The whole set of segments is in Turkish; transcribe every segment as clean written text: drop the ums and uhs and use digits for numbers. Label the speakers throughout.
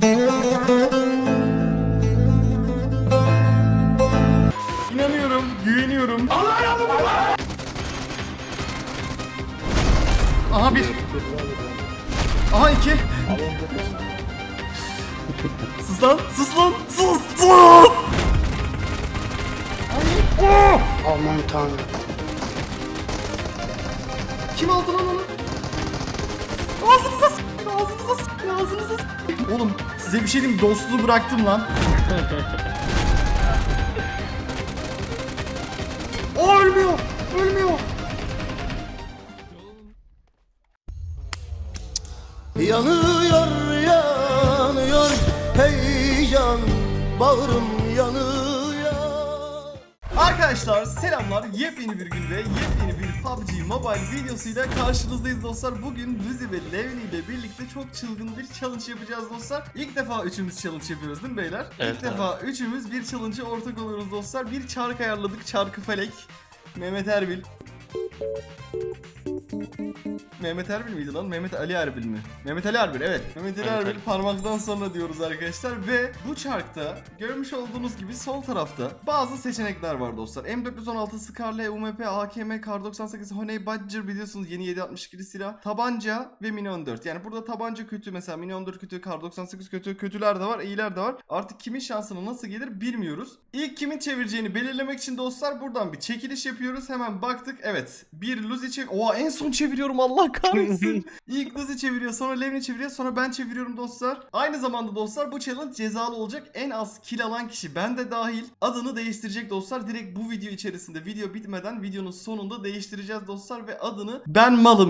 Speaker 1: İnanıyorum, güveniyorum. Aha bir. Aha iki. Sus lan, sus lan, sus.
Speaker 2: Aman tanrım.
Speaker 1: Kim aldı lan onu? Ağzınıza s***, ağzınıza s***, ağzınıza s***. Oğlum size bir şey diyeyim, dostluğu bıraktım lan. O ölmüyor, ölmüyor.
Speaker 3: Yanıyor yanıyor heyecan, bağrım yanıyor.
Speaker 1: Arkadaşlar selamlar, yepyeni bir gün ve yepyeni bir PUBG Mobile videosuyla karşınızdayız dostlar. Bugün Luzi ve Levni ile birlikte çok çılgın bir challenge yapacağız dostlar. İlk defa üçümüz challenge yapıyoruz değil mi beyler?
Speaker 4: Evet,
Speaker 1: İlk defa üçümüz bir challenge'a ortak oluyoruz dostlar. Bir çark ayarladık, çarkı felek. Mehmet Erbil. Mehmet Erbil miydi lan? Mehmet Ali Erbil mi? Mehmet Ali Erbil, evet. Mehmet Ali Erbil parmaktan sonra diyoruz arkadaşlar. Ve bu çarkta görmüş olduğunuz gibi sol tarafta bazı seçenekler var dostlar. M416, Scarlet, UMP, AKM, Kar 98, Honey Badger, biliyorsunuz yeni 7.62'li silah. Tabanca ve Mini 14. Yani burada tabanca kötü, mesela Mini 14 kötü, Kar 98 kötü. Kötüler de var, iyiler de var. Artık kimin şansına nasıl gelir bilmiyoruz. İlk kimin çevireceğini belirlemek için dostlar buradan bir çekiliş yapıyoruz. Hemen baktık. Evet. Bir Luzi Oha, en son çeviriyorum, Allah kahretsin. İlk Luzi çeviriyor, sonra Levni çeviriyor, sonra ben çeviriyorum dostlar. Aynı zamanda dostlar bu challenge cezalı olacak. En az kill alan kişi, ben de dahil, adını değiştirecek dostlar. Direkt bu video içerisinde, video bitmeden videonun sonunda değiştireceğiz dostlar ve adını ben malım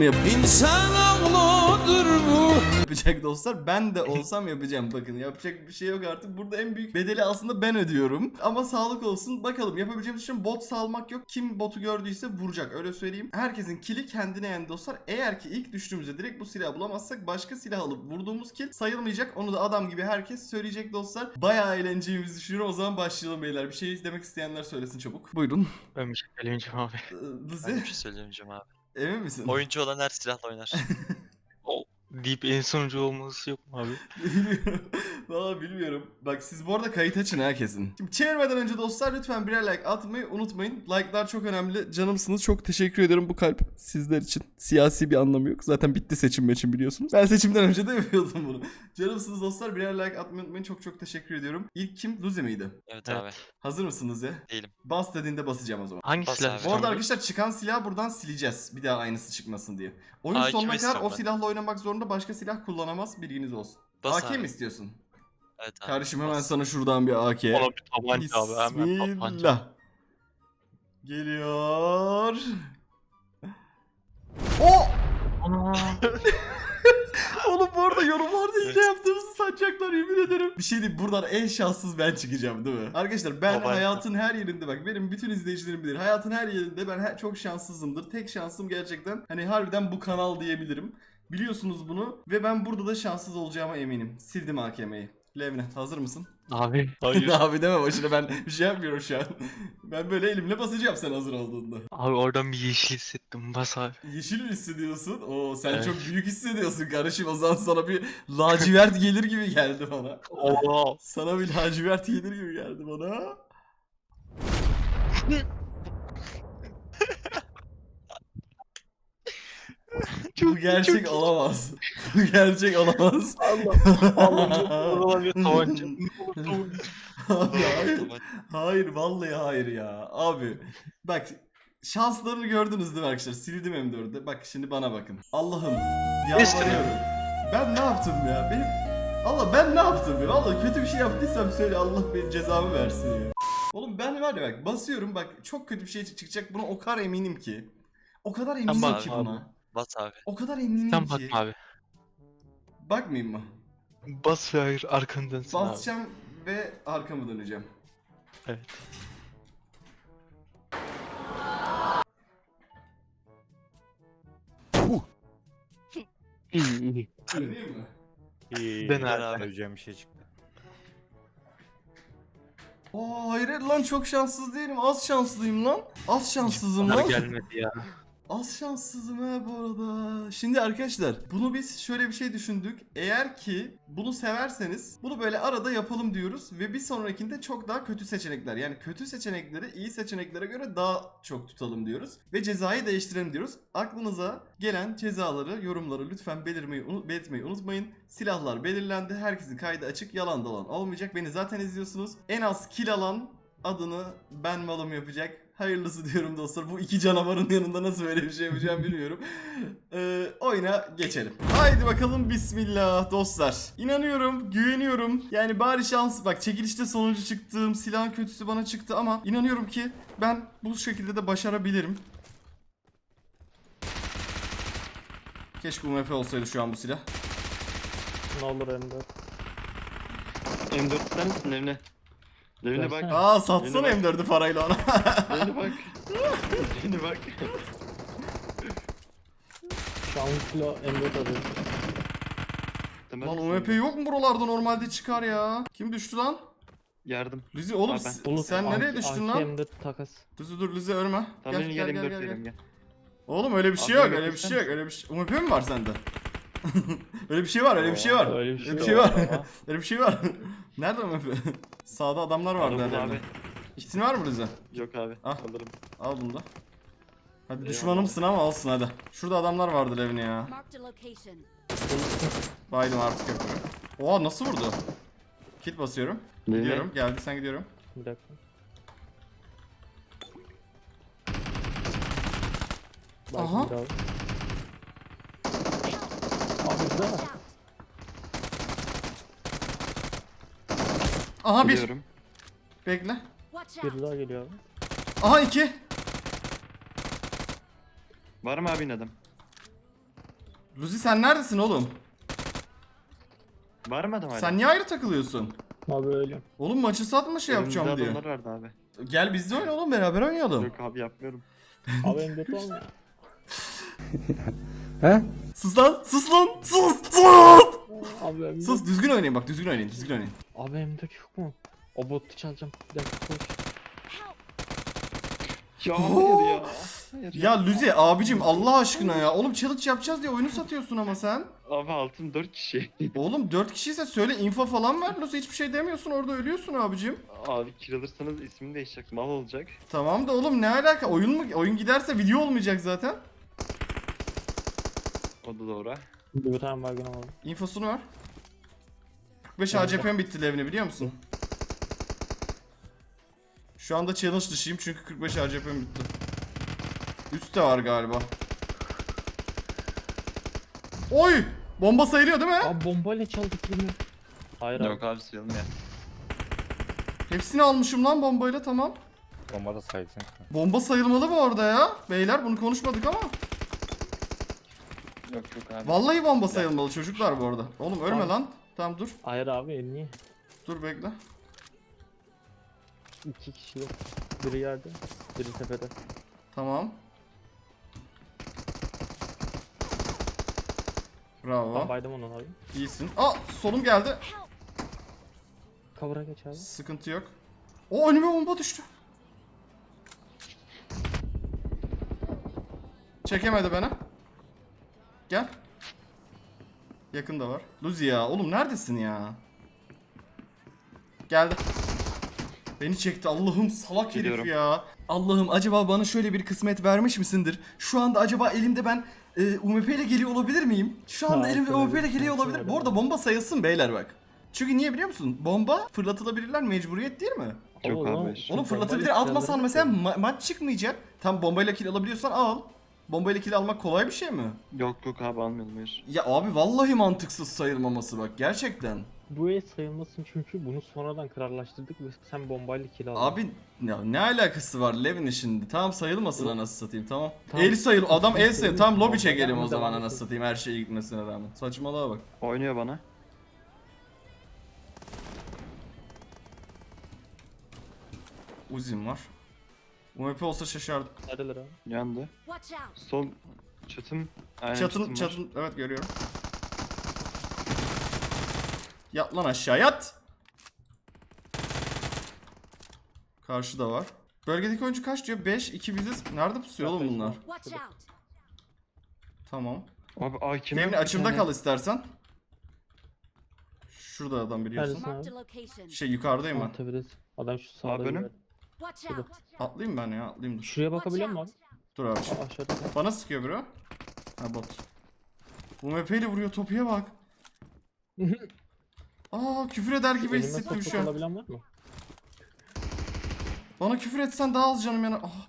Speaker 1: yapacak dostlar. Ben de olsam yapacağım, bakın yapacak bir şey yok artık. Burada en büyük bedeli aslında ben ödüyorum. Ama sağlık olsun, bakalım yapabileceğimiz için bot salmak yok. Kim botu gördüyse vuracak, öyle söyleyeyim. Herkesin kili kendine yani dostlar. Eğer ki ilk düştüğümüzde direkt bu silahı bulamazsak başka silah alıp vurduğumuz kill sayılmayacak. Onu da adam gibi herkes söyleyecek dostlar. Bayağı eğleneceğimizi düşünüyorum. O zaman başlayalım beyler. Bir şey demek isteyenler söylesin çabuk. Buyurun.
Speaker 4: Ben bir şey söyleyeceğim abi.
Speaker 1: Luzi,
Speaker 5: Ben bir şey söyleyeceğim abi.
Speaker 1: emin misin?
Speaker 5: Oyuncu olan her silahla oynar.
Speaker 4: O deyip en sonuncu olması yok mu abi?
Speaker 1: Bilmiyorum. Valla bilmiyorum. Bak siz bu arada kayıt açın ha, kesin. Şimdi çevirmeden önce dostlar lütfen birer like atmayı unutmayın. Like'lar çok önemli. Canımsınız. Çok teşekkür ederim bu kalp sizler için. Siyasi bir anlamı yok. Zaten bitti seçim için, biliyorsunuz. Ben seçimden önce de yapıyordum bunu. Canımsınız dostlar. Birer like atmayı unutmayın. Çok çok teşekkür ediyorum. İlk kim? Luzi miydi?
Speaker 5: Evet,
Speaker 4: Evet.
Speaker 5: abi.
Speaker 1: Hazır mısınız ya?
Speaker 5: Değilim.
Speaker 1: Bas dediğinde basacağım o zaman.
Speaker 4: Hangi
Speaker 5: Bas
Speaker 4: silah?
Speaker 5: abi.
Speaker 1: Bu arada arkadaşlar çıkan silahı buradan sileceğiz. Bir daha aynısı çıkmasın diye. Oyun
Speaker 5: AK
Speaker 1: sonuna
Speaker 5: mi
Speaker 1: kadar o
Speaker 5: istiyorum ben?
Speaker 1: silahla oynamak zorunda, başka silah kullanamaz, bilginiz olsun.
Speaker 5: Bas
Speaker 1: AK
Speaker 5: abi.
Speaker 1: mi istiyorsun?
Speaker 5: Evet abi.
Speaker 1: Kardeşim hemen
Speaker 5: bas.
Speaker 1: sana şuradan bir AK.
Speaker 4: Ona bir tabanca abi, hemen tabanca.
Speaker 1: Bismillah. Geliyor. O!
Speaker 4: Ana.
Speaker 1: Oğlum bu arada yorumlarda hile yaptığımızı sanacaklar, yemin ederim. Bir şey diyeyim, buradan en şanssız ben çıkacağım değil mi? Arkadaşlar ben
Speaker 5: Tabanca.
Speaker 1: hayatın her yerinde, bak benim bütün izleyicilerim bilir. Hayatın her yerinde ben çok şanssızımdır. Tek şansım gerçekten hani harbiden bu kanal diyebilirim. Biliyorsunuz bunu ve ben burada da şanssız olacağıma eminim. Sildim AKM'yi. Levne hazır mısın?
Speaker 4: Abi. Hayır.
Speaker 1: Abi deme başına, ben bir şey yapmıyorum şu an. Ben böyle elimle basacağım sen hazır olduğunda.
Speaker 4: Abi oradan bir yeşil hissettim. Bas abi.
Speaker 1: Yeşil mi hissediyorsun? Oo sen
Speaker 4: Evet.
Speaker 1: çok büyük hissediyorsun kardeşim. O zaman sana bir lacivert gelir gibi geldi bana.
Speaker 4: Oha.
Speaker 1: Sana bir lacivert gelir gibi geldi bana. Bu gerçek olamaz. Bu gerçek olamaz.
Speaker 4: Oradan bir tabanca.
Speaker 1: Abi hayır.
Speaker 5: Tamam.
Speaker 1: Hayır vallahi hayır ya. Abi bak, şanslarını gördünüz değil mi arkadaşlar? Sildim M4'de. Bak şimdi bana bakın. Allah'ım yalvarıyorum. Ben ne yaptım ya? Allah ben ne yaptım ya? Vallahi kötü bir şey yaptıysam söyle, Allah benim cezamı versin ya. Oğlum ben var ya, bak basıyorum, bak çok kötü bir şey çıkacak, buna o kadar eminim ki. O kadar eminim
Speaker 4: bak
Speaker 1: ki
Speaker 4: abi.
Speaker 1: buna.
Speaker 5: Bas abi.
Speaker 1: O kadar eminim
Speaker 4: Sen bak
Speaker 1: ki.
Speaker 4: abi.
Speaker 1: Bakmayayım mı?
Speaker 4: Bas ve hayır, arkanı dönsün abi.
Speaker 1: Basacağım ve arkamı döneceğim.
Speaker 4: Evet. İyi iyi.
Speaker 1: Döneyim mi?
Speaker 6: İyi.
Speaker 4: Ben
Speaker 5: Ver
Speaker 4: abi.
Speaker 5: abi.
Speaker 6: Öleceğim bir şey çıktı.
Speaker 1: Oo hayır lan, çok şanssız değilim. Az şanslıyım lan. Az şanssızım
Speaker 4: Bunlar
Speaker 1: lan.
Speaker 4: gelmedi ya.
Speaker 1: Az şanssızım ha bu arada. Şimdi arkadaşlar bunu biz şöyle bir şey düşündük. Eğer ki bunu severseniz bunu böyle arada yapalım diyoruz. Ve bir sonrakinde çok daha kötü seçenekler. Yani kötü seçenekleri iyi seçeneklere göre daha çok tutalım diyoruz. Ve cezayı değiştirelim diyoruz. Aklınıza gelen cezaları, yorumları lütfen belirtmeyi unutmayın. Silahlar belirlendi. Herkesin kaydı açık. Yalan dolan olmayacak. Beni zaten izliyorsunuz. En az kill alan adını ben malım yapacak. Hayırlısı diyorum dostlar. Bu iki canavarın yanında nasıl böyle bir şey yapacağım bilmiyorum. Oyuna geçelim. Haydi bakalım bismillah dostlar. İnanıyorum, güveniyorum. Yani bari şans. Bak çekilişte sonuncu çıktım. Silahın kötüsü bana çıktı ama inanıyorum ki ben bu şekilde de başarabilirim. Keşke UMP olsaydı şu an bu silah.
Speaker 6: Ne olur M4.
Speaker 7: M4 ister misin Levne? Levne bak.
Speaker 6: Versene.
Speaker 1: Aa satsana
Speaker 7: Yeni
Speaker 1: M4'ü parayla ona.
Speaker 7: Levne bak. Levne bak.
Speaker 6: Şu an kilo M4 alıyorum.
Speaker 7: Temel
Speaker 1: Lan
Speaker 7: misin?
Speaker 1: UMP yok mu buralarda, normalde çıkar ya. Kim düştü lan?
Speaker 7: Yardım.
Speaker 1: Lizi oğlum
Speaker 7: Abi ben-
Speaker 6: Bulut,
Speaker 1: sen nereye
Speaker 6: anti-
Speaker 1: düştün
Speaker 6: anti
Speaker 1: lan?
Speaker 6: M4 takas.
Speaker 1: Lizi dur Lizi ölme.
Speaker 7: Tamam Levne gel M4 verelim gel.
Speaker 1: Oğlum öyle bir şey
Speaker 7: Abi
Speaker 1: yok,
Speaker 7: öyle
Speaker 1: öyle bir
Speaker 7: yapırsan-
Speaker 1: şey yok, öyle bir şey. UMP mi var sende? Öyle bir şey var, öyle bir şey var.
Speaker 6: Öyle bir şey
Speaker 1: Öyle bir şey
Speaker 6: var.
Speaker 1: var. Öyle bir şey var. Nerede UMP? Sağda adamlar vardı
Speaker 7: Alırım
Speaker 1: herhalde.
Speaker 7: abi.
Speaker 1: Kitin var mı Lizi?
Speaker 7: Yok abi.
Speaker 1: Ah.
Speaker 7: Alırım.
Speaker 1: Al bunu da. Hadi
Speaker 7: Eyvallah.
Speaker 1: düşmanımsın ama olsun hadi. Şurada adamlar vardı Levni ya.
Speaker 8: Marked a location.
Speaker 1: Baydım artık yapıyorum. Oha nasıl vurdu? Kit basıyorum.
Speaker 7: Levne.
Speaker 1: Gidiyorum. Geldi sen gidiyorum.
Speaker 6: Bir dakika.
Speaker 1: Aha.
Speaker 6: Bakın bir abi. Abi güzel.
Speaker 8: Watch out.
Speaker 1: Aha bir.
Speaker 7: Biliyorum.
Speaker 1: Bekle.
Speaker 8: Watch out.
Speaker 6: Bir daha geliyor abi.
Speaker 1: Aha iki.
Speaker 7: Var mı abin adam?
Speaker 1: Luzi sen neredesin oğlum?
Speaker 7: Var mı adam hala?
Speaker 1: Sen niye ayrı takılıyorsun?
Speaker 6: Abi ölüyorum.
Speaker 1: Oğlum maçı satma şey
Speaker 7: Önümüzde
Speaker 1: yapacağım diye.
Speaker 7: adamlar vardı abi.
Speaker 1: Gel bizde oyna oğlum, beraber oynayalım.
Speaker 7: Yok abi yapmıyorum.
Speaker 6: Abi M4 olmuyor.
Speaker 1: Sus lan, sus lan, sus, sus.
Speaker 6: Abi M4.
Speaker 1: Sus, düzgün oynayın bak, düzgün oynayın, düzgün oynayın.
Speaker 6: Abi M4 yok mu? O botu çalacağım. Bir dakika koş.
Speaker 7: Ya hayır ya. Hayır
Speaker 1: Ya Luzi abicim Allah aşkına ya. Oğlum challenge yapacağız diye oyunu satıyorsun ama sen.
Speaker 7: Abi altın 4 kişi.
Speaker 1: Oğlum 4 kişiyse söyle, info falan ver Luzi, hiçbir şey demiyorsun orada, ölüyorsun abicim.
Speaker 7: Abi kill alırsanız ismini değişecek. Mal olacak.
Speaker 1: Tamam da oğlum ne alaka, oyun giderse video olmayacak zaten.
Speaker 7: O da doğru.
Speaker 6: Bir tane baygın alalım.
Speaker 1: İnfosunu ver. 45 ACP'm bitti Levni, biliyor musun? Şu anda challenge dışıyım çünkü 45 ACP'm bitti. Üstte var galiba. Oy! Bomba sayılıyor değil mi?
Speaker 6: Abi bombayla çaldık yine. Hayır abi.
Speaker 7: Yok abi sayılmıyor.
Speaker 1: Hepsini almışım lan bombayla, tamam.
Speaker 9: Bomba da saysın.
Speaker 1: Bomba sayılmalı bu arada ya. Beyler bunu konuşmadık ama.
Speaker 7: Yok yok abi.
Speaker 1: Vallahi bomba sayılmalı çocuklar bu arada. Oğlum ölme
Speaker 6: Tamam.
Speaker 1: lan. Tamam dur.
Speaker 6: Hayır abi niye?
Speaker 1: Dur bekle.
Speaker 6: 2 kişi yok. Biri yerde, biri tepede.
Speaker 1: Tamam.
Speaker 6: Ben
Speaker 1: Bravo.
Speaker 6: baydım onu abi.
Speaker 1: İyisin. Aa solum geldi.
Speaker 6: Cover'a geç abi.
Speaker 1: Sıkıntı yok. O önüme bomba düştü. Çekemedi beni. Gel. Yakında var. Luzi ya oğlum neredesin ya? Geldi. Beni çekti, Allah'ım salak herif
Speaker 7: Gidiyorum.
Speaker 1: ya. Allah'ım acaba bana şöyle bir kısmet vermiş misindir? Şu anda acaba elimde ben UMP ile geliyor olabilir miyim? Şu anda
Speaker 6: Ha,
Speaker 1: elimde
Speaker 6: şöyle
Speaker 1: UMP ile
Speaker 6: bir
Speaker 1: geliyor
Speaker 6: sıkıntı
Speaker 1: olabilir.
Speaker 6: var
Speaker 1: Bu arada
Speaker 6: ama.
Speaker 1: bomba sayılsın beyler bak. Çünkü niye biliyor musun? Bomba fırlatılabilirler, mecburiyet değil mi?
Speaker 7: Yok
Speaker 6: Oğlum,
Speaker 7: abi.
Speaker 6: şu
Speaker 1: Onu
Speaker 6: bombayla
Speaker 1: fırlatabilir, atmasan
Speaker 6: silahları
Speaker 1: mesela
Speaker 6: koy.
Speaker 1: maç çıkmayacak. Tam bombayla kill alabiliyorsan al. Bombayla kill almak kolay bir şey mi?
Speaker 7: Yok yok abi almayalım hayır.
Speaker 1: Ya abi vallahi mantıksız sayılmaması bak gerçekten.
Speaker 6: Bu el sayılmasın çünkü bunu sonradan kararlaştırdık ve sen bombayla kill aldın.
Speaker 1: Abi ya ne alakası var Levin'in şimdi? Tamam sayılmasın anasını satayım tamam.
Speaker 6: Tamam.
Speaker 1: El sayıl, adam el sayıl. Tamam lobi
Speaker 6: Bombayla
Speaker 1: çekelim o
Speaker 6: devam
Speaker 1: zaman
Speaker 6: edelim.
Speaker 1: anasını satayım her şeye gitmesine rağmen. Saçmalığa bak.
Speaker 7: Oynuyor bana.
Speaker 1: Uzim var. UMP olsa şaşardım.
Speaker 6: Neredeler abi?
Speaker 7: Yandı.
Speaker 8: Watch out.
Speaker 7: Sol çatım. Aynen
Speaker 1: Çatın
Speaker 7: var.
Speaker 1: çatın evet görüyorum. Yat lan aşağı yat. Karşıda var. Bölgedeki oyuncu kaç diyor? 5, 2 biziz. Nerede pusuyor oğlum bunlar?
Speaker 8: Watch out.
Speaker 1: Tamam.
Speaker 7: Abi AKM
Speaker 1: Levni
Speaker 7: yok bir
Speaker 1: açımda
Speaker 7: tane.
Speaker 1: kal istersen. Şurada adam biliyorsun.
Speaker 6: Neredesin
Speaker 2: Marked
Speaker 6: abi?
Speaker 2: a location.
Speaker 1: Şey yukarıdayım ben.
Speaker 6: Tepedesin. Adam şu sağda.
Speaker 7: Abi önüm.
Speaker 6: bir-
Speaker 2: Watch
Speaker 6: Şurada.
Speaker 2: out.
Speaker 1: Atlayayım ben ya, atlayayım dur.
Speaker 6: Şuraya bakabiliyor musun abi?
Speaker 1: Dur abi.
Speaker 6: Aşağıda.
Speaker 1: Bana sıkıyor bro. Ha bot. Bu MP'yle vuruyor, topuya bak. Aa, küfür eder gibi
Speaker 6: Elime
Speaker 1: hissettim
Speaker 6: sokak
Speaker 1: şu an.
Speaker 6: olabilen var mı?
Speaker 1: Bana küfür etsen daha az canım yana. Ah.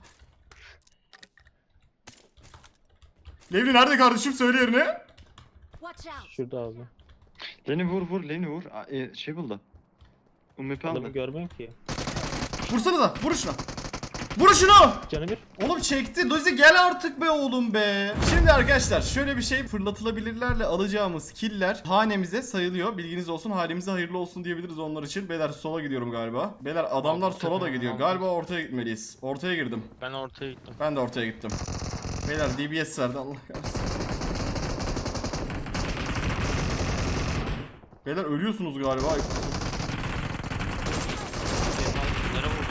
Speaker 1: Levni nerede kardeşim, söyle yerini.
Speaker 2: Watch out.
Speaker 6: Şurada abi.
Speaker 7: Leni vur Leni vur. Şey buldu. UMP
Speaker 6: Adamı
Speaker 7: aldı.
Speaker 6: görmüyorum ki.
Speaker 1: Vursana da, vur şuna. Vur şunu.
Speaker 6: Canı bir.
Speaker 1: Oğlum çekti. Dozi gel artık be oğlum be. Şimdi arkadaşlar şöyle bir şey, fırlatılabilirlerle alacağımız killer hanemize sayılıyor. Bilginiz olsun, hanemize hayırlı olsun diyebiliriz onlar için. Beyler sola gidiyorum galiba. Beyler adamlar
Speaker 4: Abi,
Speaker 1: sola da
Speaker 4: tepe,
Speaker 1: gidiyor.
Speaker 4: abi.
Speaker 1: Galiba ortaya gitmeliyiz. Ortaya girdim.
Speaker 4: Ben ortaya gittim.
Speaker 1: Ben de ortaya gittim. Beyler DBS verdi, Allah kahretsin. Beyler ölüyorsunuz galiba. Ay,
Speaker 4: Nereye vurdu?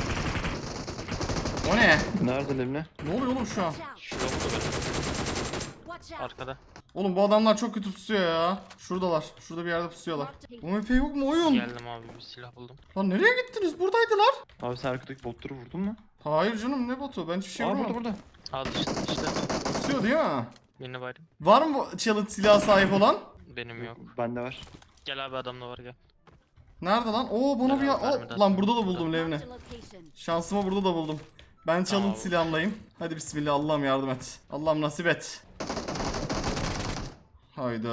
Speaker 1: o ne?
Speaker 7: Nerede Levni?
Speaker 1: Ne oluyor oğlum şu an?
Speaker 2: Watch out.
Speaker 4: Şurada vurdu beni.
Speaker 2: Watch out.
Speaker 4: Arkada.
Speaker 1: Oğlum bu adamlar çok kötü pusuyor ya. Şuradalar. Şurada bir yerde pusuyorlar. Bu MP yok mu oyun?
Speaker 4: Geldim abi, bir silah buldum.
Speaker 1: Lan nereye gittiniz? Buradaydılar.
Speaker 7: Abi sen arkadaki botları vurdun mu?
Speaker 1: Hayır canım, ne botu? Ben hiçbir şey
Speaker 7: Aa
Speaker 1: vurmadım.
Speaker 7: burada.
Speaker 4: Aa işte.
Speaker 1: Pusuyor değil mi?
Speaker 4: Birini baydım.
Speaker 1: Var mı bu challenge silahı sahip olan?
Speaker 4: Benim yok.
Speaker 7: Bende var.
Speaker 4: Gel abi, adamla var gel.
Speaker 1: Nerede lan? Oo bana bir...
Speaker 4: Beraber
Speaker 1: Aa,
Speaker 4: mi
Speaker 1: lan burada da buldum Levni.
Speaker 2: Marked a location.
Speaker 1: Şansımı burada da buldum. Ben challenge
Speaker 4: Tamam.
Speaker 1: silahımlayım. Hadi bismillah, Allah'ım yardım et. Allah'ım nasip et. Hayda.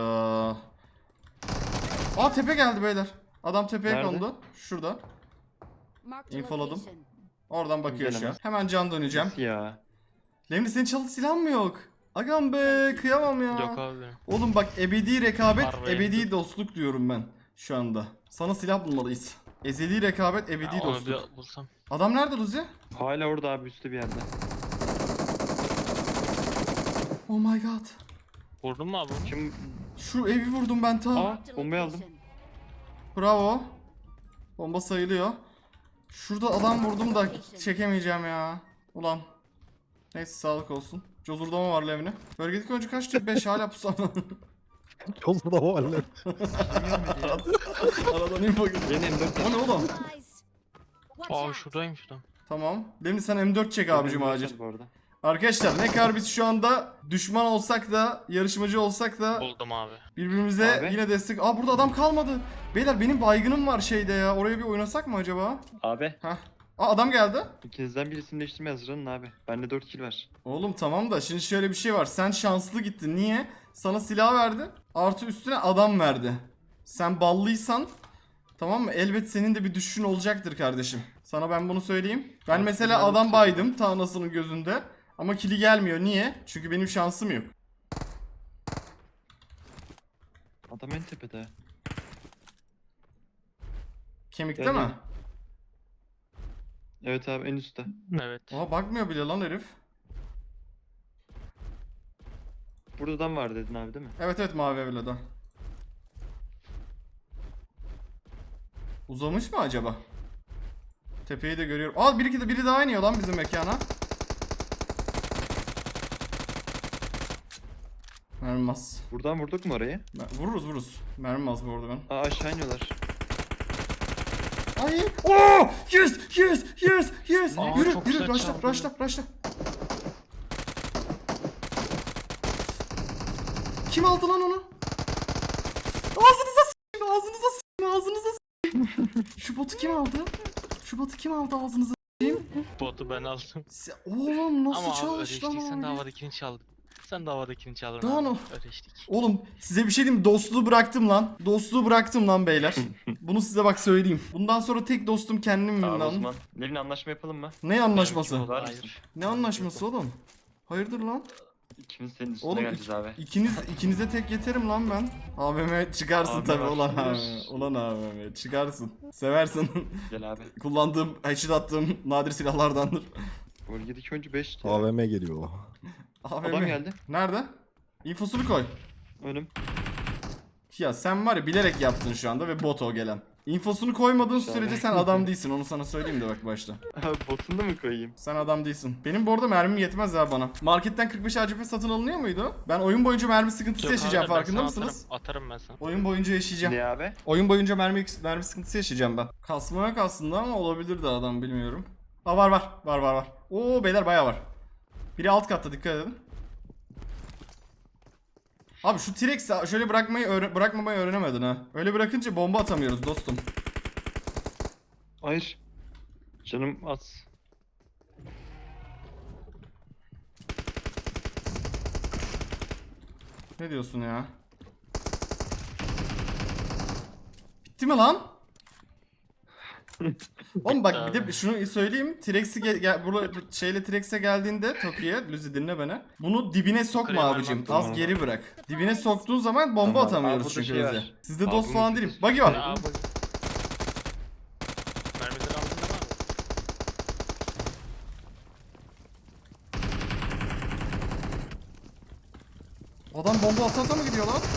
Speaker 1: Aa tepe geldi beyler. Adam tepeye
Speaker 7: Nerede?
Speaker 1: kondu. Şurada.
Speaker 2: Marked a
Speaker 1: İnfoladım.
Speaker 2: location.
Speaker 1: Oradan bakıyor şu an.
Speaker 7: Gelemez.
Speaker 1: Hemen can döneceğim.
Speaker 7: Nasıl ya?
Speaker 1: Levni senin challenge silahın mı yok? Agam be, kıyamam ya.
Speaker 4: Yok abi benim.
Speaker 1: Oğlum bak, ebedi rekabet,
Speaker 4: Var be.
Speaker 1: ebedi dostluk diyorum ben şu anda. Sana silah bulmalıyız. Ezeli rekabet, ebedi
Speaker 4: Ya onu
Speaker 1: dostluk.
Speaker 4: bir bulsam.
Speaker 1: Adam nerede Luzi?
Speaker 7: Hala orada abi üstte bir yerde.
Speaker 1: Oh my god.
Speaker 4: Vurdun mu abi onu?
Speaker 7: Kim?
Speaker 1: Şu evi vurdum ben ta.
Speaker 7: Aa
Speaker 2: Marked a
Speaker 7: bombayı aldım.
Speaker 2: location.
Speaker 1: Bravo. Bomba sayılıyor. Şurada adam vurdum da çekemeyeceğim ya. Ulan. Neyse, sağlık olsun. Cozurdama var Levni. Bölgedeki oyuncu kaçtı? 5 hala pusam. Aradan info geldi.
Speaker 7: Leni M4
Speaker 1: O ne oğlum?
Speaker 2: Supplies. Watch
Speaker 4: Aa
Speaker 2: out.
Speaker 4: şuradayım şurada.
Speaker 1: Tamam. Levni sen M4 çek abicim
Speaker 7: M4
Speaker 1: acil.
Speaker 7: bu arada.
Speaker 1: Arkadaşlar ne kadar biz şu anda düşman olsak da, yarışmacı olsak da
Speaker 4: Buldum abi.
Speaker 1: birbirimize
Speaker 7: Abi.
Speaker 1: yine destek... Aa burada adam kalmadı. Beyler benim baygınım var şeyde ya. Oraya bir oynasak mı acaba?
Speaker 7: Abi
Speaker 1: Hah. Aa adam geldi.
Speaker 7: ikinizden birisini değiştirmeye hazırlanın abi. Bende 4 kill var.
Speaker 1: Oğlum tamam da şimdi şöyle bir şey var. Sen şanslı gittin. Niye? Sana silah verdi. Artı üstüne adam verdi. Sen ballıysan, tamam mı? Elbet senin de bir düşüşün olacaktır kardeşim. Sana ben bunu söyleyeyim. Ben
Speaker 7: Abi,
Speaker 1: mesela
Speaker 7: ben
Speaker 1: adam
Speaker 7: çok-
Speaker 1: baydım ta anasının gözünde. Ama kili gelmiyor. Niye? Çünkü benim şansım yok.
Speaker 7: Adam en tepede.
Speaker 1: Kemikte
Speaker 7: Yani-
Speaker 1: mi?
Speaker 7: Evet abi en üstte.
Speaker 4: Evet.
Speaker 1: Aa bakmıyor bile lan herif.
Speaker 7: Buradan var dedin abi değil mi?
Speaker 1: Evet evet, mavi evle de. Uzamış mı acaba? Tepeyi de görüyorum. Aa biri daha iniyor lan bizim mekana. Mermi az.
Speaker 7: Buradan vurduk mu orayı?
Speaker 1: Vururuz. Mermi az bu arada ben.
Speaker 7: Aa aşağı iniyorlar.
Speaker 1: Ay! Oo! Yes!
Speaker 4: Aa,
Speaker 1: Yürü,
Speaker 4: çok
Speaker 1: yürü,
Speaker 4: güzel çaldı.
Speaker 1: rushla. Kim aldı lan onu? Ağzınıza s**eyim. Şu botu kim aldı? Ağzınıza.
Speaker 4: Botu ben aldım.
Speaker 1: Oğlum nasıl
Speaker 4: Ama abi
Speaker 1: çalmış lan
Speaker 4: ödeştik, sen de
Speaker 1: o?
Speaker 4: havadakini çaldın. Sen de havadakini çaldın
Speaker 1: Daha
Speaker 4: abi.
Speaker 1: ne?
Speaker 4: Ödeştik.
Speaker 1: Oğlum size bir şey diyeyim mi? Dostluğu bıraktım lan beyler. Bunu size bak söyleyeyim. Bundan sonra tek dostum kendimim
Speaker 7: Tamam o
Speaker 1: lan.
Speaker 7: zaman. Levin anlaşma yapalım mı?
Speaker 1: Ne anlaşması?
Speaker 4: Benimki
Speaker 7: Var
Speaker 4: Hayır.
Speaker 7: mısın?
Speaker 1: Ne anlaşması oğlum? Hayırdır lan?
Speaker 7: İkimiz senin üstüne
Speaker 1: Oğlum
Speaker 7: geleceğiz abi.
Speaker 1: ikinize tek yeterim lan ben. AVM çıkarsın
Speaker 7: AVM
Speaker 1: tabi
Speaker 7: var.
Speaker 1: ulan AVM. Ulan AVM çıkarsın. Seversin.
Speaker 7: Gel abi.
Speaker 1: Kullandığım, headshot attığım nadir silahlardandır.
Speaker 7: Bölgedeki oyuncu 5.
Speaker 8: AVM geliyor.
Speaker 1: AVM.
Speaker 7: Adam geldi.
Speaker 1: Nerede? İnfosunu koy.
Speaker 7: Önüm.
Speaker 1: Ya sen var ya bilerek yaptın şu anda ve bot o gelen. İnfosunu koymadığın
Speaker 7: İnşallah.
Speaker 1: sürece sen adam değilsin. Onu sana söyleyeyim de bak başta.
Speaker 7: Abi botunu da mı koyayım?
Speaker 1: Sen adam değilsin. Benim bu arada mermim yetmez ya bana. Marketten 45 ACP satın alınıyor muydu? Ben oyun boyunca mermi sıkıntısı
Speaker 6: Yok
Speaker 1: yaşayacağım,
Speaker 6: abi, ben
Speaker 1: farkında
Speaker 6: sana
Speaker 1: mısınız?
Speaker 6: Atarım ben sana.
Speaker 1: Oyun boyunca yaşayacağım.
Speaker 7: Ne abi?
Speaker 1: Oyun boyunca mermi sıkıntısı yaşayacağım ben. Kasma yok aslında ama olabilir de adam, bilmiyorum. Aa var. Oo beyler bayağı var. Biri alt katta, dikkat edin. Abi şu T-Rex'i şöyle bırakmamayı öğrenemedin ha. Öyle bırakınca bomba atamıyoruz dostum.
Speaker 7: Hayır. Canım az.
Speaker 1: Ne diyorsun ya? Bitti mi lan? Oğlum bak bir de şunu söyleyeyim. T-Rex'i burada şeyle T-Rex'e geldiğinde Toki'ye, Luzi dinle beni. Bunu dibine sokma
Speaker 6: Yukarıya
Speaker 1: abicim.
Speaker 6: vermem
Speaker 1: Az
Speaker 7: lazım.
Speaker 1: geri bırak. Dibine soktuğun zaman bomba
Speaker 7: Tamam,
Speaker 1: atamıyoruz
Speaker 7: abi burada
Speaker 1: çünkü
Speaker 7: şey
Speaker 1: Luzi.
Speaker 7: var.
Speaker 1: Sizde
Speaker 7: Abi
Speaker 1: dost
Speaker 7: bunu
Speaker 1: falan değilim. Buggy var.
Speaker 6: Aa, bak. Mermileri aldın değil mi abi?
Speaker 1: Adam bomba ata mı gidiyor lan?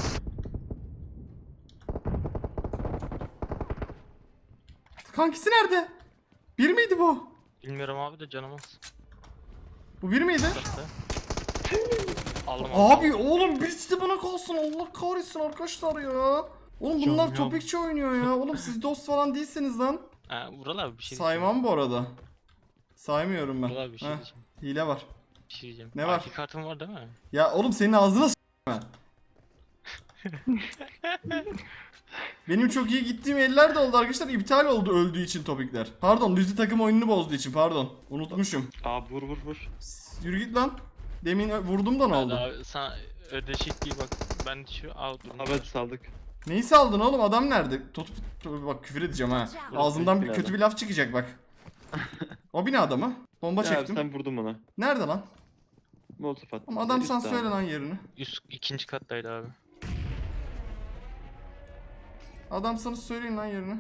Speaker 1: Kankisi nerede? Bir miydi bu?
Speaker 6: Bilmiyorum abi de canımız.
Speaker 1: Bu bir miydi?
Speaker 6: Aldım
Speaker 1: Abi oğlum birisi de bana kalsın, Allah kahretsin arkadaşlar ya. Oğlum bunlar
Speaker 6: Canım ya.
Speaker 1: topikçi oynuyor ya. Oğlum siz dost falan değilsiniz lan.
Speaker 6: Ha, Vural abi bir şey
Speaker 1: Saymam bu arada. Saymıyorum ben.
Speaker 6: Vural abi bir şey
Speaker 1: Heh,
Speaker 6: diyeceğim.
Speaker 1: hile var.
Speaker 6: Bir şey diyeceğim.
Speaker 1: Ne var?
Speaker 6: IP kartın var değil mi?
Speaker 1: Ya oğlum senin ağzına s**me. Benim çok iyi gittiğim eller de oldu arkadaşlar. İptal oldu öldüğü için topikler. Pardon, Luzi takım oyununu bozduğu için pardon. Unutmuşum.
Speaker 7: Abi vur.
Speaker 1: Yürü git lan. Demin vurdum da ne oldu?
Speaker 6: Abi sana ödeşik değil bak. Ben şu out
Speaker 7: Abi hadi saldık.
Speaker 1: Neyi saldın oğlum? Adam nerede? Bak küfür edeceğim ha. Ağzımdan bir kötü bir laf çıkacak bak. O binada mı? Bomba
Speaker 7: Ya abi
Speaker 1: çektim.
Speaker 7: sen vurdun bana.
Speaker 1: Nerede lan?
Speaker 7: Molotof attın.
Speaker 1: Ama adam
Speaker 7: Üst
Speaker 1: sen
Speaker 7: abi.
Speaker 1: söyle lan yerini.
Speaker 6: üst ikinci kattaydı abi.
Speaker 1: Adam sana söyleyin lan yerini.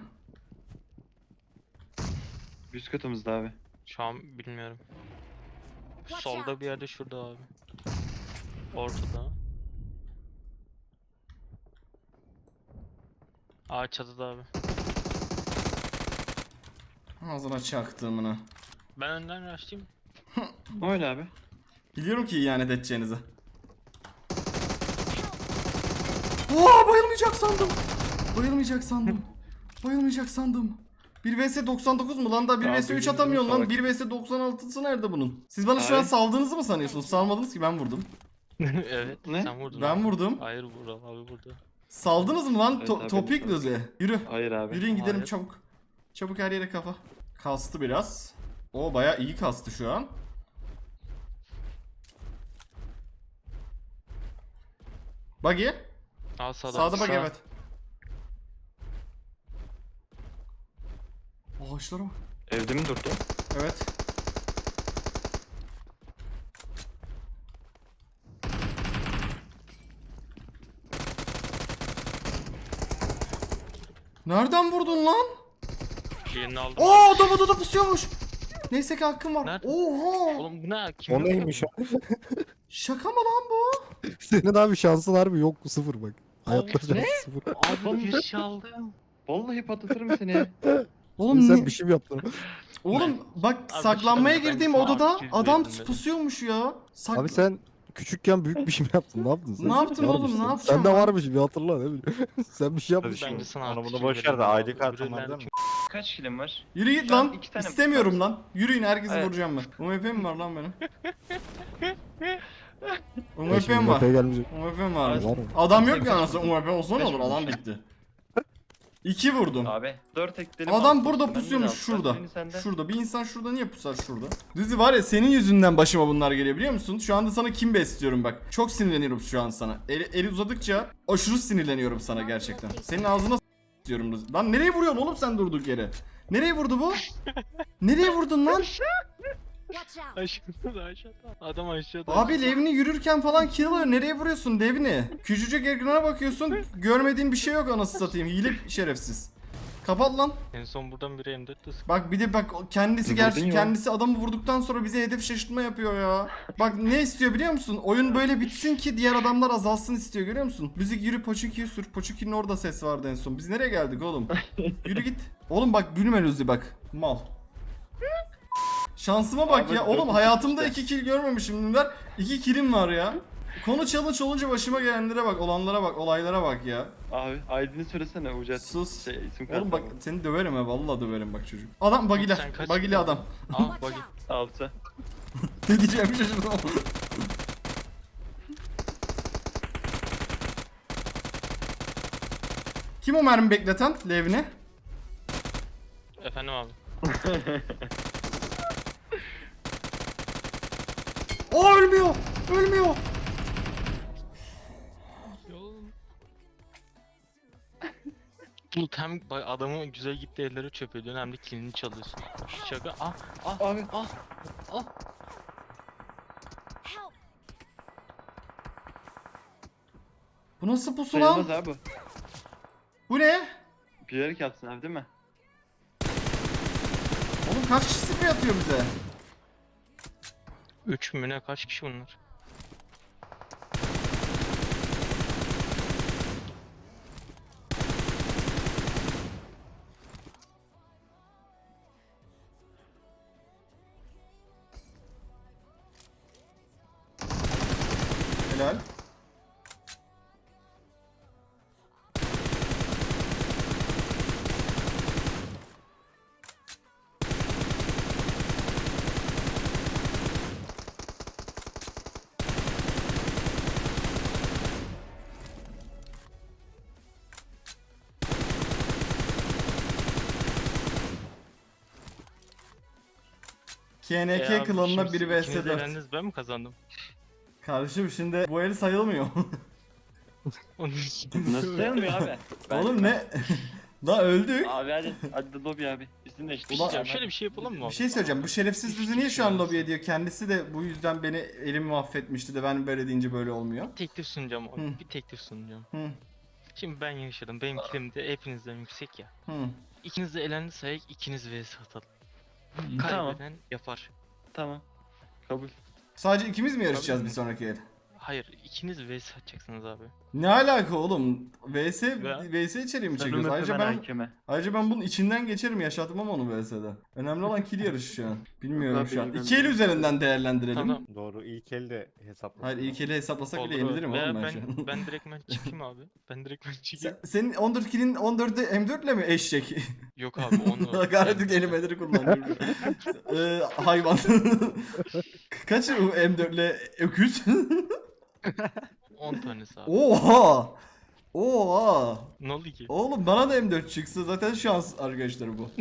Speaker 7: Üst katımızda abi.
Speaker 6: Şu an bilmiyorum.
Speaker 2: Watch
Speaker 6: Solda
Speaker 2: out.
Speaker 6: bir yerde şurada abi. Ortada. Aa çatıda abi.
Speaker 1: Ağzına çaktığımını.
Speaker 6: Ben önden rushlayayım.
Speaker 7: Öyle abi.
Speaker 1: Biliyorum ki ihanet edeceğinizi. Oo, bayılmayacak sandım. Bayılmayacak sandım. 1 vs 99 mu lan da 1
Speaker 7: Ya
Speaker 1: vs 3
Speaker 7: bizim
Speaker 1: atamıyorsun lan.
Speaker 7: salak.
Speaker 1: 1 vs 96'sı nerede bunun? Siz bana şu an
Speaker 7: Abi.
Speaker 1: saldığınızı mı sanıyorsunuz? Salmadınız ki, ben vurdum.
Speaker 6: Evet
Speaker 7: Ne?
Speaker 6: sen vurdun.
Speaker 1: Ben
Speaker 6: abi.
Speaker 1: vurdum.
Speaker 6: Hayır Vural abi vurdu.
Speaker 1: Saldınız mı lan?
Speaker 7: Evet abi,
Speaker 1: Topik
Speaker 7: evet.
Speaker 1: Luzi. Yürü.
Speaker 7: Hayır abi.
Speaker 1: Yürüyün gidelim
Speaker 6: Hayır.
Speaker 1: çabuk. Çabuk her yere kafa. Kastı biraz. O bayağı iyi kastı şu an. Buggy.
Speaker 6: Aa sağda.
Speaker 1: Sağda buggy,
Speaker 6: Sağ.
Speaker 1: evet. Ağaçlara bak.
Speaker 7: Evde mi durdu?
Speaker 1: Evet. Nereden vurdun lan?
Speaker 6: Yerini aldım.
Speaker 1: Aa, adam odada pusuyormuş. Neyse ki hakkım var.
Speaker 6: Nerede?
Speaker 1: Oha.
Speaker 6: Oğlum bu ne? Kim
Speaker 8: O
Speaker 6: yapıyor
Speaker 8: neymiş
Speaker 6: bunu?
Speaker 8: abi?
Speaker 1: Şaka mı lan bu?
Speaker 8: Senin abi şansın harbi yok, sıfır bak. Hayatta şansın sıfır.
Speaker 6: Abi bir şey aldım.
Speaker 7: Vallahi patlatırım seni.
Speaker 1: Oğlum
Speaker 8: Sen bir şey mi yaptın?
Speaker 1: Oğlum bak,
Speaker 6: Abi
Speaker 1: saklanmaya
Speaker 6: ben
Speaker 1: girdiğim
Speaker 6: sana
Speaker 1: odada
Speaker 6: 200
Speaker 1: adam
Speaker 6: verdim dedim.
Speaker 1: pusuyormuş ya.
Speaker 8: Abi sen küçükken büyük bir şey mi yaptın? Ne yaptın sen?
Speaker 1: Ne yaptım
Speaker 8: Varmış
Speaker 1: oğlum, ne
Speaker 8: sen.
Speaker 1: yapacağım
Speaker 8: Sende
Speaker 1: ben?
Speaker 8: varmış, bir hatırla, ne bileyim. Sen bir şey yapmışsın.
Speaker 6: Bence sana
Speaker 9: Onu
Speaker 6: artı
Speaker 9: bunu
Speaker 6: iki
Speaker 9: boş ver de
Speaker 6: verelim abi.
Speaker 9: ID kartın
Speaker 6: Öbüründen
Speaker 9: var değil mi?
Speaker 7: Kaç kilim var?
Speaker 1: Yürü git
Speaker 7: Şu an
Speaker 1: lan.
Speaker 7: 2 tane
Speaker 1: İstemiyorum
Speaker 7: var.
Speaker 1: lan. Yürüyün, herkesi
Speaker 7: Evet.
Speaker 1: vuracağım ben. UMP mi var lan benim?
Speaker 8: Ya
Speaker 1: UMP
Speaker 8: şimdi
Speaker 1: mi var?
Speaker 8: Mbappé gelmeyecek.
Speaker 1: UMP mi var?
Speaker 8: Var mı?
Speaker 1: Adam yok ya, anasını UMP olsa ne olur,
Speaker 7: Beş
Speaker 1: adam bitti. 2 vurdum.
Speaker 7: Abi 4 ekledim.
Speaker 1: Adam
Speaker 7: altı
Speaker 1: burada
Speaker 7: olsun, ben de
Speaker 1: pusuyormuş
Speaker 7: altı.
Speaker 1: şurada.
Speaker 7: Birini sende.
Speaker 1: Şurada. Bir insan şurada niye pusar şurada? Düzü var ya, senin yüzünden başıma bunlar geliyor biliyor musun? Şu anda sana kim besliyorum bak. Çok sinirleniyorum şu an sana. Eli uzadıkça aşırı sinirleniyorum sana gerçekten. Senin ağzına diyorum Düzü. Lan nereye vuruyorsun oğlum sen durduk yere? Nereye vurdu bu? Nereye vurdun lan?
Speaker 2: Watch out.
Speaker 6: Aşağıda aşağıda. Adam aşağıda.
Speaker 1: Abi Levni yürürken falan kill alıyor. Nereye vuruyorsun Levni? Küçücük ekrana bakıyorsun. Görmediğin bir şey yok anasını satayım. Hile şerefsiz. Kapat lan.
Speaker 4: En son buradan biri M4'te sıktı.
Speaker 1: Bak bir de bak kendisi
Speaker 7: Vurdun ya.
Speaker 1: kendisi adamı vurduktan sonra bize hedef şaşırtma yapıyor ya. Bak ne istiyor biliyor musun? Oyun böyle bitsin ki diğer adamlar azalsın istiyor, görüyor musun? Müzik yürü Poçuki'yi sür. Poçuki'nin orada ses vardı en son. Biz nereye geldik oğlum? Yürü git. Oğlum bak gülme Luzi bak. Mal. Şansıma bak
Speaker 7: Abi,
Speaker 1: ya. Oğlum
Speaker 7: dört
Speaker 1: hayatımda
Speaker 7: işte.
Speaker 1: 2 kill görmemişim. 2 killim var ya. Konu challenge olunca başıma gelenlere bak, olanlara bak, olaylara bak ya.
Speaker 7: Abi ID'ni söylesene Ucat.
Speaker 1: Sus.
Speaker 7: Şey, isim
Speaker 1: Oğlum bak
Speaker 7: kartı.
Speaker 1: seni döverim ha, vallahi döverim bak çocuk. Adam bagile,
Speaker 4: Sen kaç
Speaker 1: bagile
Speaker 4: kilo-
Speaker 1: adam.
Speaker 4: Aa
Speaker 2: Watch
Speaker 4: buggy.
Speaker 2: out.
Speaker 7: Altı.
Speaker 1: Ne diyeceğimi şaşırdım. Kim o mermi bekleten Levni?
Speaker 4: Efendim abi.
Speaker 1: O ölmüyor. Ölmüyor.
Speaker 4: Bulut hem adamın güzel gitti elleri çöp ediyorsun hem de kilini çalıyorsun. Şaka.
Speaker 7: Abi.
Speaker 2: Help.
Speaker 1: Bu nasıl pusu
Speaker 7: Sayılmaz
Speaker 1: lan?
Speaker 7: abi.
Speaker 1: Bu ne?
Speaker 7: Bilerek yapsın abi değil mi?
Speaker 1: Oğlum kaç kişi sprey atıyor bize?
Speaker 4: 3 mü ne, kaç kişi bunlar?
Speaker 1: Helal. KNK
Speaker 4: abi,
Speaker 1: klanına
Speaker 4: şimdi
Speaker 1: biri vs
Speaker 4: ikiniz
Speaker 1: 4.
Speaker 4: elendiniz, ben mi kazandım?
Speaker 1: Kardeşim şimdi bu el sayılmıyor.
Speaker 4: Onun için.
Speaker 7: Nasıl sayılmıyor abi?
Speaker 1: Oğlum ne? Daha öldük.
Speaker 7: Abi hadi lobby abi. İsim değiştir.
Speaker 1: Ulan-
Speaker 4: Ya şöyle bir şey yapalım mı
Speaker 1: Bir
Speaker 4: abi?
Speaker 1: şey söyleyeceğim. Bu şerefsiz düzü niye şu an lobiye diyor? Kendisi de bu yüzden beni elimi mahvetmişti de ben böyle deyince böyle olmuyor.
Speaker 4: Teklif sunacağım abi.
Speaker 1: Hı.
Speaker 4: Bir teklif sunacağım.
Speaker 1: Hı
Speaker 4: Şimdi ben yaşadım. Benim kilim de hepinizden yüksek ya.
Speaker 1: hı.
Speaker 4: İkiniz de elendi sayık, ikiniz vs atalım.
Speaker 7: Tamam.
Speaker 4: Kaybeden yapar.
Speaker 7: Tamam. Kabul.
Speaker 1: Sadece ikimiz mi yarışacağız
Speaker 4: Tabii
Speaker 1: bir
Speaker 4: mi?
Speaker 1: sonraki el?
Speaker 4: Hayır, ikiniz vs atacaksınız abi.
Speaker 1: Ne alaka oğlum? VS
Speaker 4: Ve-
Speaker 1: VS içeriği mi
Speaker 7: Sen
Speaker 1: çekiyoruz?
Speaker 7: hakeme.
Speaker 1: Ayrıca ben bunun içinden geçerim, yaşatmam onu VS'de. Önemli olan kill yarışı şu an. Bilmiyorum
Speaker 7: Yok abi,
Speaker 1: şu an.
Speaker 7: benim-
Speaker 1: İki el üzerinden değerlendirelim.
Speaker 4: Tamam.
Speaker 9: Doğru, ilk el de hesapla.
Speaker 1: Hayır ilk eli hesaplasak bile
Speaker 4: Olur.
Speaker 1: yenilirim
Speaker 4: Veya
Speaker 1: oğlum ben şu an.
Speaker 4: ben direkt çıkayım abi. Ben direkt çıkayım.
Speaker 1: Senin 14 kill'in 14'ü M4 ile mi eşek?
Speaker 4: Yok abi onu.
Speaker 1: Hakaret kelimeleri kullanıyorum. Hayvan. Kaç o M4 ile öküz?
Speaker 4: 10 tanesi abi.
Speaker 1: Oha! Oha!
Speaker 4: Ne oldu ki?
Speaker 1: Oğlum bana da M4 çıksa zaten şans arkadaşlar bu.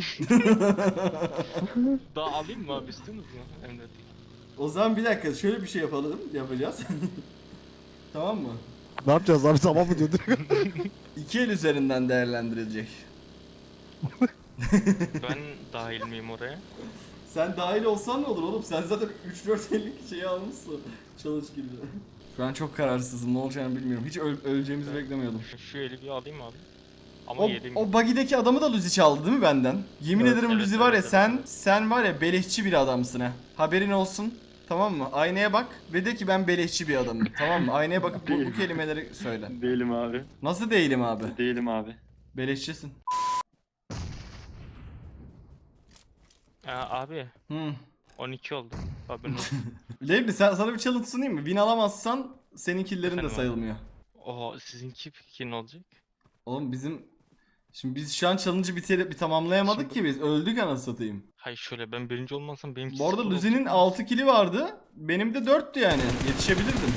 Speaker 4: Daha alayım mı abi, istiyorsunuz mu? Hem de.
Speaker 1: O zaman bir dakika şöyle bir şey yapacağız. Tamam mı?
Speaker 8: Ne yapacağız abi, tamam mı diyordu?
Speaker 1: İki el üzerinden değerlendirilecek.
Speaker 4: Ben dahil miyim oraya?
Speaker 1: Sen dahil olsan ne olur oğlum? Sen zaten 3-4 ellik şeyi almışsın. Çalış gibi. Şu an çok kararsızım. Ne olacağını bilmiyorum. Hiç öleceğimizi beklemiyordum.
Speaker 4: Şu eli bir alayım abi. Ama
Speaker 1: O,
Speaker 4: yedim.
Speaker 1: o buggy'deki adamı da Luzi çaldı değil mi benden? Yemin ederim
Speaker 4: evet,
Speaker 1: Luzi var ya
Speaker 4: evet,
Speaker 1: sen var ya beleşçi bir adamsın ha. Haberin olsun. Tamam mı? Aynaya bak ve de ki ben beleşçi bir adamım. Tamam mı? Aynaya bakıp bu kelimeleri söyle.
Speaker 7: Değilim abi.
Speaker 1: Nasıl değilim abi?
Speaker 7: Değilim abi.
Speaker 1: Beleşçisin.
Speaker 4: Abi
Speaker 1: Hı.
Speaker 4: 12 oldu. Haberin olsun.
Speaker 1: Lebli sana bir challenge sunayım mı? Win alamazsan senin killerin de
Speaker 4: Efendim abi?
Speaker 1: sayılmıyor.
Speaker 4: Oha, sizinki peki ne olacak?
Speaker 1: Oğlum şimdi biz şu an challenge'ı bir tamamlayamadık ki biz. Öldük anasını satayım.
Speaker 4: Hayır şöyle, ben birinci olmasam benimki
Speaker 1: Bu arada
Speaker 4: sıfır
Speaker 1: Luzi'nin
Speaker 4: olacak.
Speaker 1: 6 kili vardı. Benim de 4'tü yani. Yetişebilirdim.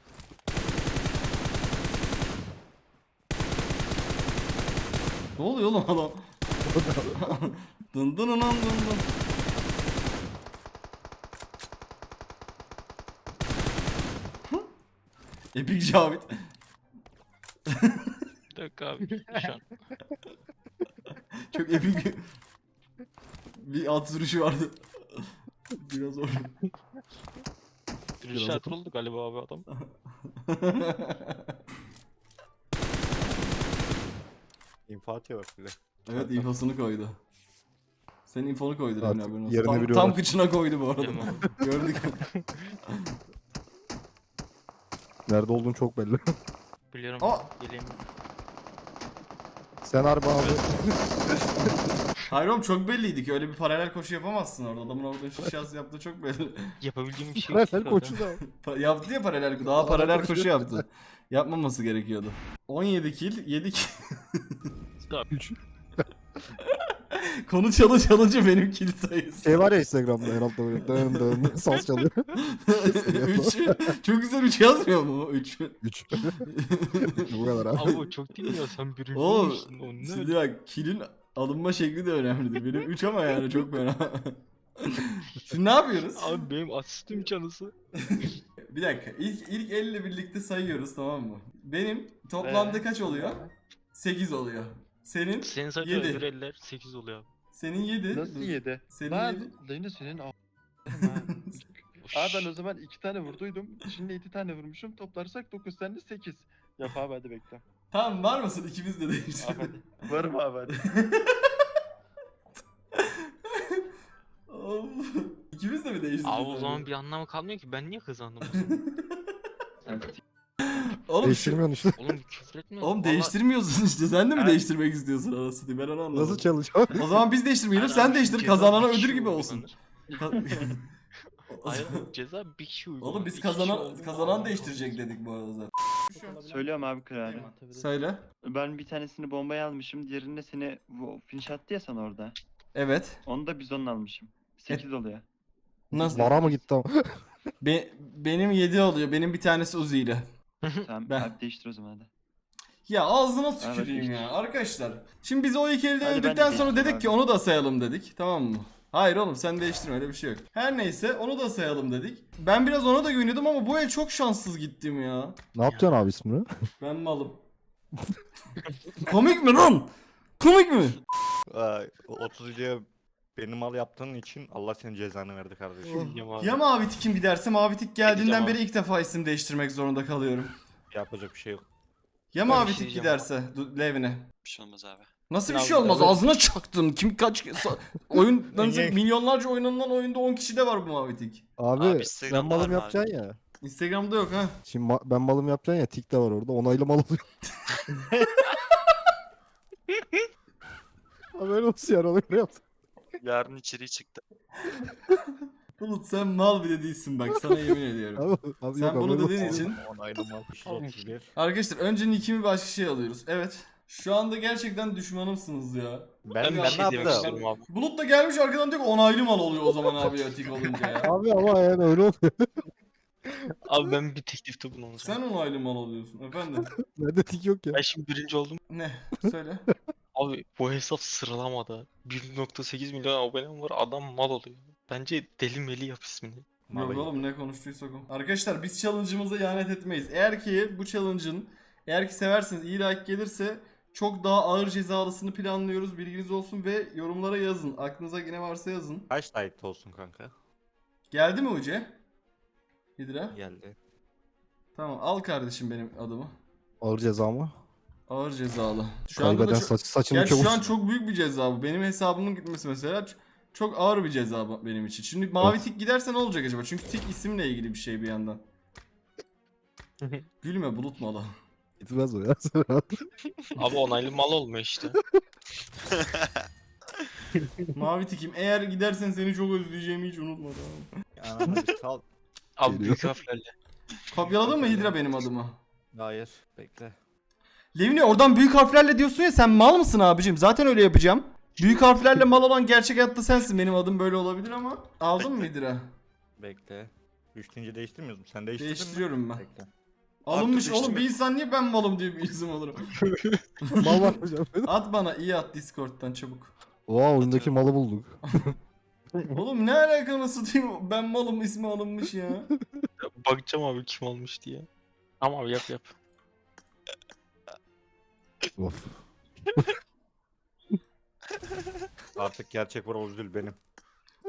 Speaker 1: Ne oluyor oğlum adam? Dın dın dın dın dın. Epik Cavit.
Speaker 4: Bir dakika abi şu an.
Speaker 1: Çok epik bir at sürüşü vardı. Biraz zor.
Speaker 4: Rüşat oldu galiba abi adam.
Speaker 9: İnfa atıyor bak bize.
Speaker 1: Evet infosunu koydu. Senin infonu koydu
Speaker 8: Artık
Speaker 1: Levni haberin olsun.
Speaker 8: yerine
Speaker 1: Tam,
Speaker 8: biliyorlar.
Speaker 1: tam kıçına koydu bu arada.
Speaker 4: Değil mi?
Speaker 1: Gördük.
Speaker 8: Nerede olduğun çok belli.
Speaker 4: Biliyorum.
Speaker 1: Aa!
Speaker 4: Geleyim.
Speaker 8: Sen harbi abi.
Speaker 1: Hayır oğlum çok belliydi ki öyle bir paralel koşu yapamazsın orada. Adamın orada şu şans yaptığı çok belli.
Speaker 4: Yapabildiğim bir şey yok.
Speaker 8: Paralel koçu da.
Speaker 1: Yaptı ya paralel, daha paralel koşu yaptı. Yapmaması gerekiyordu. 17 kill, 7 kill.
Speaker 8: 3.
Speaker 1: Konu çalınca benim kill sayısı.
Speaker 8: Şey var ya Instagram'da herhalde böyle dön saz çalıyor.
Speaker 1: 3. Çok güzel 3 yazmıyor mu? 3.
Speaker 8: 3. Bu kadar abi.
Speaker 4: Abi o çok değil mi ya, sen birinci
Speaker 1: Oğlum
Speaker 4: olmuşsun. O ne?
Speaker 1: şimdi bak kill'in alınma şekli de önemlidir. Benim 3 ama yani çok fena. Şimdi ne yapıyoruz?
Speaker 4: Abi benim asistim canısı.
Speaker 1: Bir dakika. İlk 50 ile birlikte sayıyoruz tamam mı? Benim toplamda kaç oluyor? 8 oluyor. Senin
Speaker 4: Senin zaten
Speaker 1: Yedi.
Speaker 4: öbür eller 8 oluyor abi.
Speaker 1: senin 7.
Speaker 7: Nasıl yedi?
Speaker 1: Senin
Speaker 7: Lan
Speaker 1: 7.
Speaker 7: Leyla senin Abi ben o zaman 2 tane vurduydum. Şimdi 2 tane vurmuşum. Toplarsak 9 tane 8. Yap abi hadi bekle.
Speaker 1: Tamam var mısın? İkimiz de
Speaker 7: Abi
Speaker 1: değiştirelim.
Speaker 7: hadi. Varım abi hadi.
Speaker 1: Of. İkimiz de mi değiştirdik?
Speaker 4: Abi o zaman bir anlamı kalmıyor ki, ben niye kazandım?
Speaker 1: Oğlum,
Speaker 8: Değiştirmiyorsun işte.
Speaker 4: Oğlum küfür etme.
Speaker 1: oğlum
Speaker 4: Vallahi-
Speaker 1: değiştirmiyorsun işte. Sen de mi
Speaker 7: Ha.
Speaker 1: değiştirmek istiyorsun anasını? Ben onu anlamadım.
Speaker 8: Nasıl çalışıyor?
Speaker 1: O zaman biz değiştirmeyelim.
Speaker 4: Hayır
Speaker 1: Sen
Speaker 4: abi,
Speaker 1: değiştir.
Speaker 4: ceza
Speaker 1: Kazanana
Speaker 4: bir kişi
Speaker 1: ödül gibi olsun.
Speaker 4: uygulanır.
Speaker 1: Ka-
Speaker 4: Hayır abi, ceza bir kişi uygulanır.
Speaker 1: Oğlum biz
Speaker 4: İki kişi oldu mu
Speaker 1: kazanan
Speaker 4: abi?
Speaker 1: değiştirecek dedik bu arada zaten.
Speaker 7: Söylüyorum abi kararı.
Speaker 1: Söyle.
Speaker 7: Ben bir tanesini bombaya almışım. Diğerini seni finish attı ya sana orada.
Speaker 1: Evet.
Speaker 7: Onu da bizonla almışım. 8 oluyor.
Speaker 1: Nasıl?
Speaker 8: Vara mı gitti ama?
Speaker 1: Benim 7 oluyor. Benim bir tanesi Uzi ile.
Speaker 7: Tamam
Speaker 1: Ben-
Speaker 7: abi değiştir o zaman hadi.
Speaker 1: Ya ağzına
Speaker 7: Evet,
Speaker 1: tüküreyim
Speaker 7: işte.
Speaker 1: ya arkadaşlar. Şimdi biz o iki elde
Speaker 7: Hadi ben de
Speaker 1: öldükten sonra
Speaker 7: değiştireyim
Speaker 1: dedik
Speaker 7: abi.
Speaker 1: ki onu da sayalım dedik. Tamam mı? Hayır oğlum sen değiştirme öyle bir şey yok. Her neyse onu da sayalım dedik. Ben biraz ona da güveniyordum ama bu el çok şanssız gittim ya.
Speaker 8: Ne yapacaksın abi ismini?
Speaker 1: Ben malım. Komik mi lan? Komik mi?
Speaker 9: 30'luya beni mal yaptığın için Allah senin cezanı verdi kardeşim.
Speaker 4: Yiyeceğim abi.
Speaker 1: Ya mavi tikim giderse mavi tik geldiğinden
Speaker 4: Gideceğim
Speaker 1: beri ilk defa isim değiştirmek zorunda kalıyorum.
Speaker 9: Yapacak bir şey yok.
Speaker 1: Ya
Speaker 4: Ben
Speaker 1: mavi
Speaker 4: bir şey
Speaker 1: tik
Speaker 4: diyeceğim
Speaker 1: giderse Levine.
Speaker 5: Bir şey olmaz abi.
Speaker 1: Nasıl bir
Speaker 4: Abi,
Speaker 1: şey olmaz?
Speaker 4: evet.
Speaker 1: Ağzına çaktın. Kim kaç oyun
Speaker 9: Niye?
Speaker 1: milyonlarca oynanan oyunda 10 kişi de var bu mavi tik.
Speaker 8: Abi,
Speaker 5: Abi
Speaker 8: ben
Speaker 5: Instagram'da var
Speaker 8: malım
Speaker 5: mı
Speaker 8: yapacaksın ya.
Speaker 1: Instagram'da yok ha.
Speaker 8: Şimdi ben malım yapacaksın ya tik de var orada. Onaylı mal oluyor. Haber olsun yani onu öyle yaptım.
Speaker 5: Yarın içeriği çıktı.
Speaker 1: Bulut sen mal bile değilsin bak sana yemin ediyorum.
Speaker 8: Abi,
Speaker 1: Sen
Speaker 8: yok,
Speaker 1: bunu
Speaker 8: haberin
Speaker 1: dediğin
Speaker 8: olsun.
Speaker 1: için.
Speaker 9: Onaylı mal 31.
Speaker 1: Arkadaşlar önce nickimi başka şey alıyoruz. Evet. Şu anda gerçekten düşmanımsınız ya.
Speaker 9: Ben
Speaker 4: bir
Speaker 9: ne
Speaker 4: şey demek
Speaker 9: yaptım?
Speaker 4: istiyorum abi.
Speaker 1: Bulut da gelmiş arkadan diyor ki onaylı mal oluyor o zaman abi ya tik olunca ya.
Speaker 8: Abi ama yani öyle oluyor.
Speaker 4: Abi ben bir teklifte bulunacağım.
Speaker 1: Sen onaylı mal oluyorsun efendim.
Speaker 8: Bende tik yok ya.
Speaker 4: Ben şimdi birinci oldum.
Speaker 1: Ne? Söyle.
Speaker 4: Abi bu hesap sıralamada 1.8 milyon abonem var, adam mal oluyor. Bence deli meli yap ismini.
Speaker 1: Yok oğlum ne konuştuysak o. Arkadaşlar biz challenge'ımıza ihanet etmeyiz. Eğer ki bu challenge'ın eğer ki severseniz iyi like gelirse çok daha ağır cezalısını planlıyoruz. Bilginiz olsun ve yorumlara yazın. Aklınıza yine varsa yazın.
Speaker 9: Kaç like olsun kanka?
Speaker 1: Geldi mi Uce? Hidra?
Speaker 9: Geldi.
Speaker 1: Tamam al kardeşim benim adımı.
Speaker 8: Ağır ceza mı?
Speaker 1: Ağır cezalı. Şu anda
Speaker 8: Kaybeden
Speaker 1: da
Speaker 8: saçını
Speaker 1: Gerçi şu an
Speaker 8: çabuk.
Speaker 1: çok büyük bir ceza bu. Benim hesabımın gitmesi mesela çok ağır bir ceza benim için. Şimdi mavi
Speaker 8: Evet.
Speaker 1: tik giderse ne olacak acaba? Çünkü tik isimle ilgili bir şey bir yandan. Gülme bulut malı.
Speaker 8: Gitmez o ya.
Speaker 4: Abi onaylı mal olmuyor işte.
Speaker 1: Mavi tikim eğer gidersen seni çok özleyeceğimi hiç unutma tamam.
Speaker 9: Ananı bir sal.
Speaker 4: Abi
Speaker 8: Geliyor.
Speaker 4: büyük harflerle.
Speaker 1: Kopyaladın mı Hidra benim adımı?
Speaker 9: Hayır. Bekle.
Speaker 1: Levni oradan büyük harflerle diyorsun ya sen mal mısın abicim? Zaten öyle yapacağım. Büyük harflerle mal olan gerçek hayatta sensin. Benim adım böyle olabilir ama. Aldın mı Hidra?
Speaker 9: Bekle. Üçüncü değiştirmiyoruz mu? Sen değiştirdin mi?
Speaker 1: Değiştiriyorum ben.
Speaker 9: Bekle.
Speaker 1: Alınmış
Speaker 5: Artık
Speaker 1: oğlum bir
Speaker 5: değiştirme.
Speaker 1: insan niye ben malım diye bir isim olurum.
Speaker 8: Mal var hocam.
Speaker 1: At bana iyi at Discord'dan çabuk.
Speaker 8: Oha oyundaki malı bulduk.
Speaker 1: Oğlum ne alaka nasıl diyeyim ben malım ismi alınmış ya.
Speaker 4: Bakacağım abi kim almış diye. Tamam abi yap.
Speaker 8: Of.
Speaker 9: Artık gerçek var Ozdül benim.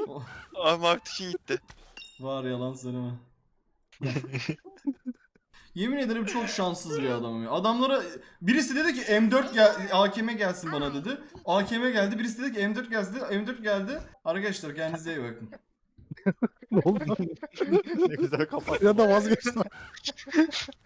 Speaker 5: Abi Martin gitti.
Speaker 1: Var yalan söyleme. Yemin ederim çok şanssız bir adamım ya. Adamlara birisi dedi ki M4 gel, AKM gelsin bana dedi. AKM geldi. Birisi dedi ki M4 geldi. M4 geldi. Arkadaşlar kendinize iyi bakın.
Speaker 8: Ne oldu?
Speaker 9: Ne güzel kapat.
Speaker 8: Ya da vazgeçtim.